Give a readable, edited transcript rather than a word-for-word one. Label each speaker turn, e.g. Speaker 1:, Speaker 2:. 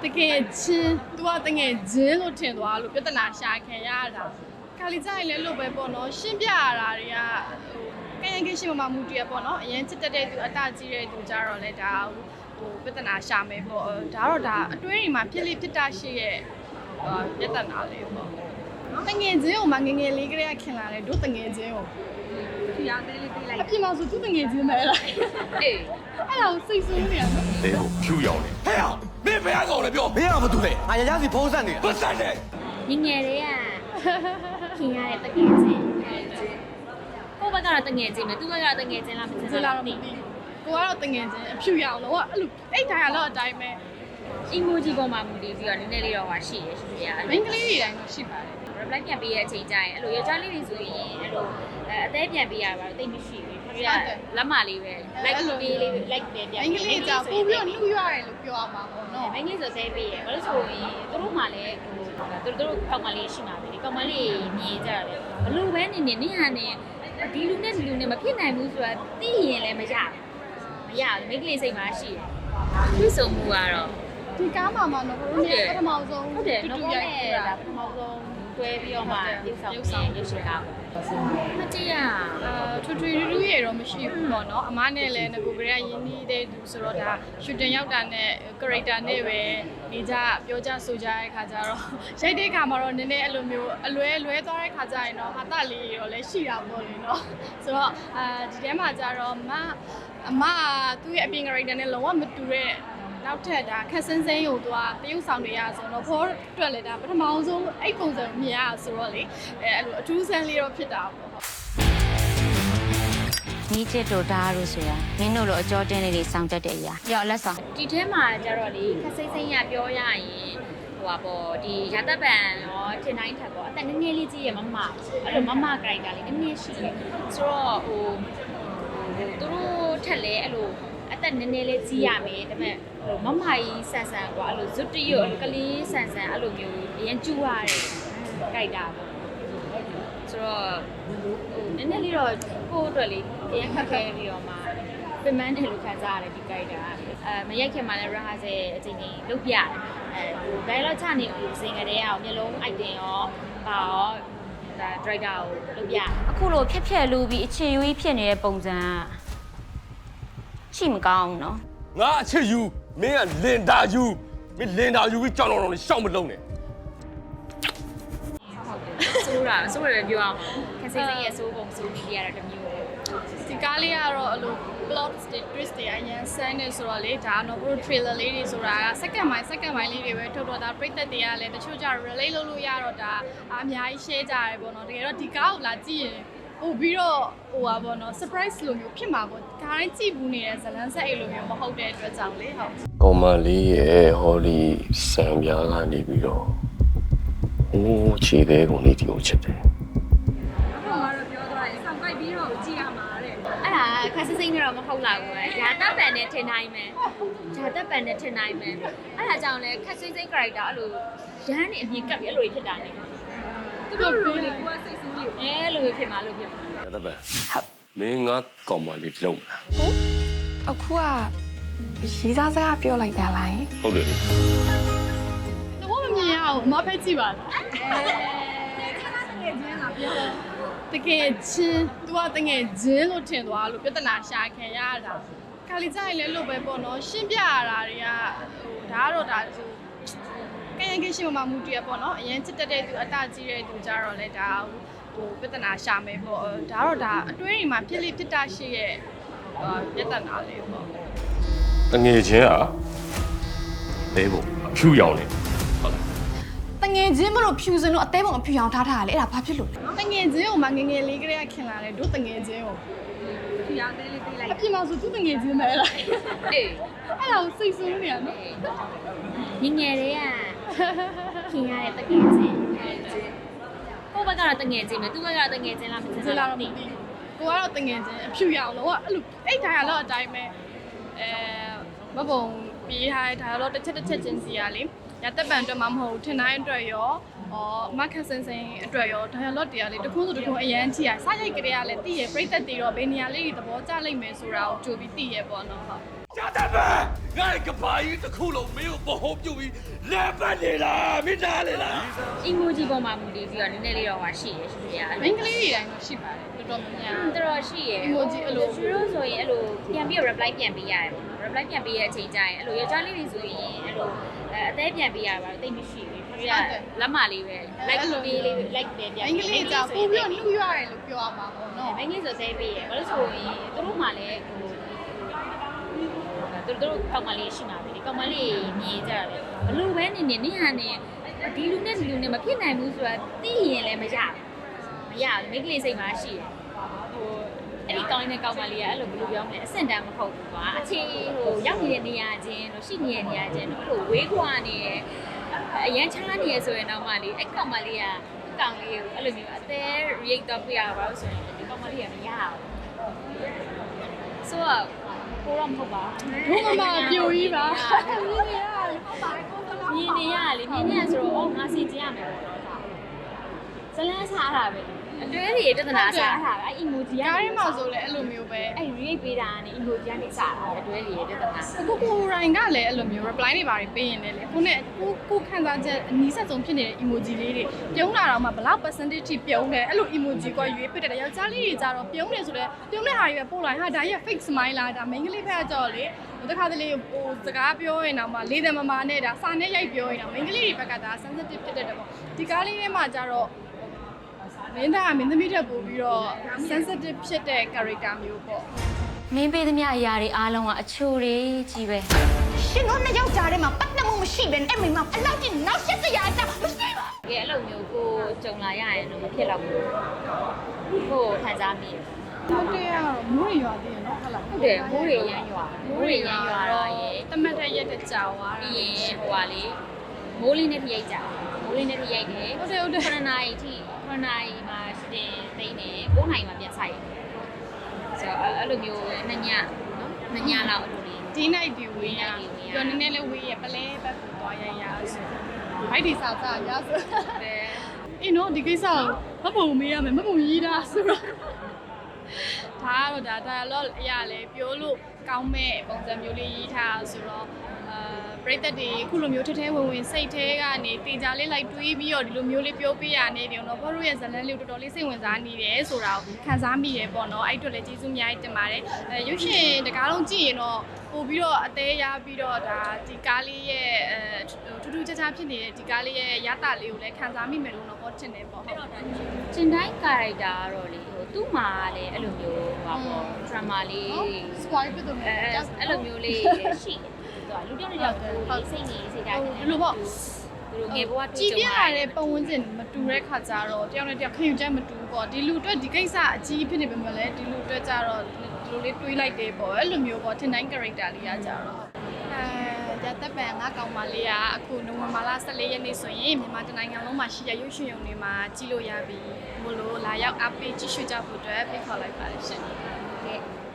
Speaker 1: တကယ်ချင်းသူကတကယ်ချင်းလို့ထင်သွားလို့ပြဿနာရှာခံရတာခါလီကြိုင်လည်းလို့ပဲပေါ့နော်ရှင်းပြရတာတွေကကရင်ကရှိမှမူတရပေါ့နော်အရင်ချစ်တဲ့သူအတကြီးတဲ့သူကြတော့လေဒါဟိုပြဿနာရှာမယ်ပေါ့ဒါတော့ဒါအတွင်းတွေမှာဖြစ်လိဖြစ်တာရှိရဲ့ပြဿနာလေးပေါ့တငယ်ချင်းကိုမငငယ်လေးကလေးကခင်လာတယ်တို့တငယ်ချင်းကိုဖြူရသေးလေးပေးလိုက်အပြင်မှာဆိုသူတငယ်ချင်းပဲလားအေးအဲ့ဒါကိုစိတ်ဆိုးနေရနော်
Speaker 2: အေးကိုဖြူရောက်နေဟဲ့အောင်မင်းဘယ်ကောင်လဲပြော
Speaker 3: မင်းကဘာတူလဲငါရရစီဖုံးဆက်နေတာ
Speaker 2: ပတ်ဆက်တယ်
Speaker 4: ငယ်လေးကခင်ရတဲ့တငယ်ချင်းကိုဘက်ကတော့တငယ်ချင်းပဲသူဘက်ကတော့တငယ်ချင်းလားမသိဘူး
Speaker 1: လားတော့မသိဘူးကိုကတော့တငယ်ချင်းအဖြူရအောင်လို့အဲ့လိုအိတ်တိုင်းကတော့အတိုင်းပဲ
Speaker 4: emoji ပေါ်မှာမူတည်ပြီးတော့နည်းနည်းလေးတော့ဟာရှိရရှိရ
Speaker 1: မင်းကလေးတွေတိုင်းတော့ရှိပါတယ်
Speaker 4: reply ပြန်ပေးတဲ့အချိန်ကျရင်အဲ့လိုယောက်ျားလေးတွေဆိုရင်အဲ့လိုအသေးပြန်ပေးရပါတော့တိတ်မရှိဘူးသူကလက်မလေးပဲ like ပေးလေး like ပဲပြန်
Speaker 1: မင်းကလေးကြောင့်ပို့ပြီးတော့နှူးရတယ်လို့ပြောရမှာပေါ့နော်
Speaker 4: မင်းကလေးဆိုသေးပေးရဘာလို့ဆိုရင်သူတို့မှလည်းဟိုသူတို့ကောင်မလေးရှိမှာပဲလေကောင်မလေးမြင်ကြတယ်ဘလို့ပဲနေနေဟာနေဒီလူနဲ့ဒီလူနဲ့မဖြစ်နိုင်ဘူးဆိုတာသိရင်လည်းမရဘူးမိန်းကလေးစိတ်မှာရှိတယ်သူ့စုံမှုကတော့
Speaker 1: ဒီကားမှာမှတော့ဘလို့ပထမဆုံး
Speaker 4: ဟုတ်တယ်နော်နဲ့ဒါပထမဆုံးတွဲပြီးတော့မှရုပ်ဆောင်ရုပ်ရှင်ကားမကြည့်ရ
Speaker 1: ထွထွရူးရတော့မရှိဘူးပေါ့နော်အမနဲ့လည်းငကိုကလေးကရင်းနှီးတဲ့သူဆိုတော့ဒါရှူတင်ရောက်တာနဲ့ character နဲ့ပဲနေကြပြောကြဆိုကြတဲ့ခါကျတော့ရိုက်တဲ့ခါမှာတော့နည်းနည်းအဲ့လိုမျိုးအလွဲသွားတဲ့ခါကျရင်တော့ဟာတလေးရောလည်းရှိတာပေါ့လေနော်ဆိုတော့ဒီထဲမှာကျတော့အမသူ့ရဲ့အပြင် character နဲ့လုံးဝမတူတဲ့နောက်ထပ်ဒါခက်စင်းစင်းကိုသူကတရုပ်ဆောင်နေရဆိုတော့ဖောအတွက်လည်းဒါပထမဆုံးအဲ့ပုံစံမြင်ရဆိုတော့လေအဲ့လိုအထူးဆန်းလေးတော့ဖြစ်တာပေါ့
Speaker 5: နီးချစ်တို့ဒါလို့ဆိုရမင်းတို့လိုအကြောတင်းလေးတွေစောင့်တတ်တဲ့အရာကြောက်လက်ဆောင်
Speaker 4: ဒီထဲမှာကျတော့လေခက်စိမ့်စိမ့်ရပြောရရင်ဟိုပါပေါ့ဒီရာသက်ပံရောထင်တိုင်းထက်ပေါ့အသက်နည်းနည်းလေးကြီးရမမအဲ့လိုမကရိုက်တာလေးနည်းနည်းရှိတယ်ဆိုတော့ဟိုသူတို့ထက်လဲအဲ့လိုအသက်နည်းနည်းလေးကြီးရမယ်ဒါပေမဲ့မမကြီးဆန်ဆန်ကွာအဲ့လိုဇွတ်တရွတ်ကလေးဆန်ဆန်အဲ့လိုမျိုးအရင်ကျူရတယ်ကြိုက်တာပေါ့ဆိုတော့နည်းနည်းလေးတော့ကိုယ့်အတွက်လေးအရင်ခက်ခဲပြီးတော့မှပြင်ပန်းတယ်လို့ခံစားရတယ်ဒီကြိုက်တာမရိုက်ခင်မှာလည်း rehearsal အချိန်ကြီးလုပ်ပြတယ်dialogue ချနေဦးစင်ကလေးအောင်မျိုးလုံး item ရောပါရောဒါ director ကိုလုပ်ပြ
Speaker 5: အခုလိုဖြက်လူပြီးအခြေရွေးဖြစ်နေတဲ့ပုံစံရှိမကောင်းနော်
Speaker 2: ငါအချစ်ယူမင်းကလင်တာယူမင်းလင်တာယူပြီးကြောင်တော်တော်လေးရှောက်မလုံးနဲ့
Speaker 4: ဆိုးတယ်ပြောအောင်ခက်စိမ့်စိမ့်ရဲ့စိုးပုံစိုးပြီးရတာတမျိုးပဲ
Speaker 1: ဒီကားလေးကတော့အဲ့လို plot twist တွေအရင်ဆန်းနေဆိုတော့လေဒါတော့ဘို့ trailer လေးတွေဆိုတာက second mind လေးတွေပဲထုတ်တော့ဒါပရိသတ်တွေကလည်းတချို့ကြ relate လုပ်လို့ရတော့ဒါအများကြီး share ကြရတယ်ပေါ့နော်တကယ်တော့ဒီကားကိုလာကြည့်ရင်ပို့ပြီးတော့ဟိုပါပေါ့နော် surprise လိုမျိုးဖြစ်မှာပေါ့ဒါတိုင်းကြည့်ဘူးနေတဲ့ဇလန်းဆက်အိတ်လိုမျိုးမဟုတ်တဲ့အတွက်ကြောင့်လေဟုတ်
Speaker 2: ကောင်မလေးရဲ့ဟောဒီစံပြားကနေပြီးတော့ဟိုးခြေသေးကုန်လေးဒီကိုချစ်တယ်
Speaker 4: အဲ့ဒါခက်စစိမ့်တော့မဟုတ်လာဘူးပဲရာတပ်ပန်နဲ့ထင်နိုင်မယ်ရာတပ်ပန်နဲ့ထင်နိုင်မယ်အဲ့ဒါကြောင့်လဲခက်စိမ့် character အဲ့လိုရမ်းနေအမြင်ကပ်ပြီးအဲ့လိုဖြစ်တာနေသူတို့လိုလေကိုကစိတ်ဆူးလို့အဲ့လိုဖြစ်မှာလို့ဖြစ်မှာ
Speaker 2: ရာတပ်ပန်ဟုတ်မင်းငါကောင်မလေးလုံးလား
Speaker 6: အခုကရေးစားစကားပြောလိုက်တာလား
Speaker 2: ဟုတ်တယ်
Speaker 1: တော့မမြင်ရအောင်အမဖက်ကြည့်ပါလားတကယ်ချင်းသူကတကယ်ချင်းလို့ထင်သွားလို့ပြဿနာရှာခံရတာခါလီကြိုင်လည်းလို့ပဲပေါ့နော်ရှင်းပြရတာတွေကဟိုဒါကတော့ဒါဟိုကရင်ကရှိမှမူတရပေါ့နော်အရင်ချစ်တဲ့သူအတကြီးတဲ့သူကြတော့လေဒါဟိုပြဿနာရှာမယ်ပေါ့ဒါတော့ဒါအတွင်းတွေမှာဖြစ်လိဖြစ်တာရှိရဲ့ပြဿနာလေးပေါ့
Speaker 2: တငယ်ချင်းอ่ะသေးဖို့ဖြူရောက်နေ
Speaker 6: တငယ်ချင်းမလို့ဖြူစင်လို့အသေးပုံအဖြူအောင်ထားထားရလေအဲ့ဒါဘာဖြစ်လို့လဲ
Speaker 1: တငယ်ချင်းကိုမငငယ်လေးကလေးကခင်လာတယ်တို့တငယ်ချင်းကိုဖြူအောင်သေးလေးပေးလိုက်အပြင်မှာဆိုသူတငယ်ချင်းပဲလားအေးအဲ့ဒါကိုစိတ်ဆိုးနေရနော်
Speaker 4: ငယ်လေးကခင်ရတဲ့တငယ်ချင်းကိုဘက်ကတော့တငယ်ချင်းပဲသူဘက်ကတော့တငယ်ချင်းလားမသိဘူး
Speaker 1: လားမသိဘူးကိုကတော့တငယ်ချင်းအဖြူရအောင်လို့အဲ့လိုအိတ်တိုင်းကတော့အတိုင်းပဲမပုံပြေးထားတဲ့ဒါတော့တစ်ချက်ချင်းစီရလေရသက်ပံအတွက်မှမဟုတ်ထင်တိုင်းအတွက်ရောမခက်စင်စင်အတွက်ရောဒါရလော့တရားလေးတခုဆိုတခုအရန်ချီရစရိုက်ကလေးကလည်းတည်ရပြိသက်တည်တော့ဘယ်နေရာလေးတွေသဘောကျလိမ့်မယ်ဆိုတာကိုကြိုပြီးတည်ရပေါ့နော်ဟုတ်
Speaker 7: 家大们，俺个把一只骷髅没有保护就比来半年了，没拿来了。
Speaker 4: emoji ပေါ်မှာမူတည်ပြီးတော့နည်းနည်းလေးတော့ဟာရှိရရှိရ
Speaker 1: မိန်းကလေးတွေတိုင်းတော့ရှိပါတယ်တော်တော်များများ
Speaker 4: တော်တော်ရှိရ
Speaker 1: emoji အဲ့လို
Speaker 4: သူတို့ဆိုရင်အဲ့လိုပြန်ပြီး reply ပြန်ပေးရတယ်ပေါ့နော် reply ပြန်ပေးရတဲ့အချိန်ကျရင်အဲ့လိုယောက်ျားလေးတွေဆိုရင်အဲ့လိုအသေးပြန်ပေးရပါတော့တိတ်မရှိဘူးသူကလက်မလေးပဲ like ပေးလေး like ပြန်ပြန်
Speaker 1: မိန်းကလေးကြောင့်ပို့ပြီးတော့နှူးရတယ်လို့ပြောရမှာပေါ့နော်
Speaker 4: မိန်းကလေးဆိုသေးပေးရဘာလို့ဆိုရင်သူတို့မှလည်းဟိုသူတို့ကောင်မလေးရှိမှာပဲလေကောင်မလေးမြင်ကြတယ်ဘလို့ပဲနေနေဟာနေဒီလူနဲ့ဒီလူနဲ့မဖြစ်နိုင်ဘူးဆိုတာသိရင်လည်းမရဘူးမိန်းကလေးစိတ်မှာရှိတယ်ဟိုအဲ့ဒီကောင်းတဲ့ကောင်မလေးကအဲ့လိုဘယ်လိုပြောမလဲအဆင့်တန်းမဟုတ်ဘူးကွာအခြေဟိုရောက်နေတဲ့နေရာချင်းတို့ရှိနေတဲ့နေရာချင်းတို့အဲ့လိုဝေးကွာနေတယ်အရန်ချားနေရဆိုရင်တော့မှလေအဲ့ကောင်မလေးကကောင်လေးကိုအဲ့လိုမျိုးအသေး react တော့ပြရပါလို့ဆိုရင်ဒီကောင်မလေးကမရဘူးဆိုတော့ကိုတော့မဟုတ်ပါ
Speaker 1: ဘုမမပြိုကြီးပါ
Speaker 4: မြင်နေရလေမြင်နေရဆိုတော့အော်ငါစီကျင်ရမယ်ပေါ့နော်ဒါဇလန်းစားတာပဲအတွဲတွေပြဿနာစားတာပဲအဲ့ emoji
Speaker 1: ကားထဲမှာဆိုလည်းအဲ့လိုမျိုးပဲ
Speaker 4: အဲ့ react ပေးတာကနေ emoji ကနေစားတာအတွဲတွေပြဿနာ
Speaker 1: ကိုရိုင်းကလည်းအဲ့လိုမျိုး reply တွေပါပေးရင်လည်းကိုနဲ့ကိုခံစားချက်အနီးဆက်ဆုံးဖြစ်နေတဲ့ emoji လေးတွေပြုံးလာတော့မှဘလောက် percentage ထိပြုံးတယ်အဲ့လို emoji ကရွေးပစ်တယ်ယောက်ျားလေးတွေကြတော့ပြုံးတယ်ဆိုလဲပြုံးတဲ့ဟာတွေပဲပို့လိုက်ဟာဒါကြီးက fake smile လားဒါ main ကလေးဖက်ကြော်လေတခါတလေဟိုစကားပြောရင်တော့မှလေးတယ်မမနဲ့ဒါစာနဲ့ရိုက်ပြောရင်တော့ main ကလေးတွေဘက်ကဒါ sensitive ဖြစ်တတ်တယ်ပေါ့ဒီကားလေးထဲမှာကြတော့မင်းသားကမင်းသမီးထက်ပိုပြီးတော့ sensitive ဖြစ်တဲ့ character မျိုးပေါ့
Speaker 5: မင်းပေးသမျှအရာတွေအားလုံးကအချိုတွေကြီးပဲ
Speaker 6: ရှင်တို့နှစ်ယောက်ကြားထဲမှာပတ်သက်မှုမရှိဘဲနဲ့အဲ့မိမအလောက်ကြီးနောက်ဆက်စရာအကြောင်းမရှိပါ
Speaker 4: တကယ်အဲ့လိုမျိုးကိုကြုံလာရရင်တော့မဖြစ်တော့ဘူးကိုခံစားမိတယ်
Speaker 1: ဟုတ်တယ်ကတော့မိုးတွေရွာသေးတယ်နော်ဟုတ်လား
Speaker 4: ဟုတ်တယ်မိုးတွေရမ်းရွာမိုးတွေရမ်းရွာတော့ရေ
Speaker 1: တမတ်တဲ့ရက်တဲ့ကြာသွားတာ
Speaker 4: ပြီးရင်ဟိုပါလေမိုးလေးနဲ့ထိရိုက်ကြမိုးလေးနဲ့ထိရိုက်တယ်
Speaker 1: ဟုတ်တယ်ဟုတ်တယ်
Speaker 4: 9နာရီထိ9နာရီမှာတင်သိနေ9နာရီမှာပြန်ဆိုင်ဆိုတော့အဲ့လိုမျိုးနှစ်ညနော်နှစ်ညလောက်အလိုလေး
Speaker 1: ဒီ night ဒီဝေးရပြောနည်းနည်းလေးဝေးရပလဲဘက်ကိုသွားရရဆိုဘိုက်ဒီစာစားရဆို
Speaker 4: တယ်
Speaker 1: အေးနော်ဒီကိစ္စကိုမပုံမေးရမယ်မပုံရေးတာဆိုတော့ဒါကတော့ဒါ dialogue အရာလဲပြောလို့ကောင်းမဲ့ပုံစံမျိုးလေးရေးထားဆိုတော့ပရိသတ်တွေခုလိုမျိုးထထဲဝင်စိတ်ထဲကနေတင်ကြလေးလိုက်တွေးပြီးတော့ဒီလိုမျိုးလေးပြောပြရနေတယ်နော်ဘောတို့ရဲ့ဇလန်းလေးကိုတော်တော်လေးစိတ်ဝင်စားနေတယ်ဆိုတာကိုခံစားမိတယ်ပေါ့နော်အဲ့အတွက်လည်းကျေးဇူးအများကြီးတင်ပါတယ်ရုပ်ရှင်တကားလုံးကြည့်ရင်တော့ပို့ပြီးတော့အသေးရပြီးတော့ဒါဒီကားလေးရဲ့ထူးထူးခြားခြားဖြစ်နေတဲ့ဒီကားလေးရဲ့ရတာလေးကိုလည်းခံစားမိမယ်လို့တော့ဟောချင်တယ်ပေါ့ဟုတ်
Speaker 4: ကျင်တိုင်း character ကတော့လေဟိုသူ့မှာလည်းအဲ့လိုမျိုးဟောပေါ့ drama လေး
Speaker 1: square ဖြစ်တော့မယ်
Speaker 4: အဲ့လိုမျိုးလေးရှိတယ်သူကလူတစ်ယောက်ကိုစိတ်နေစိတ်ဓာတ်
Speaker 1: ဒီလိုပေါ့
Speaker 4: သူတို့ငယ်ဘဝတူ
Speaker 1: ကြည်
Speaker 4: ကြုံ
Speaker 1: ပြရ
Speaker 4: ရ
Speaker 1: တဲ့
Speaker 4: တဲ့
Speaker 1: ပုံဝန်းကျင်မတူတဲ့ခါကျတော့တယောက်နဲ့တယောက်ခင်ယူချက်မတူပေါ့ဒီလူအတွက်ဒီကိစ္စအကြီးဖြစ်နေပေမဲ့လည်းဒီလူအတွက်ကျတော့ဒီလိုလေးတွေးလိုက်တယ်ပေါ့အဲ့လိုမျိုးပေါ့ထင်တိုင်း character လေးကကြတော့ရသက်ပံငါကောင်မလေးကအခုနိုဝင်ဘာလ14ရက်နေ့ဆိုရင်မြန်မာတိုင်းနိုင်ငံလုံးမှာရှိတဲ့ရုပ်ရှင်ရုံတွေမှာကြည့်လို့ရပြီမို့လို့လာရောက်အားပေးကြည့်ရှုကြဖို့အတွက်ဖိတ်ခေါ်လိုက်ပါတယ်ရှင်
Speaker 4: ကဲ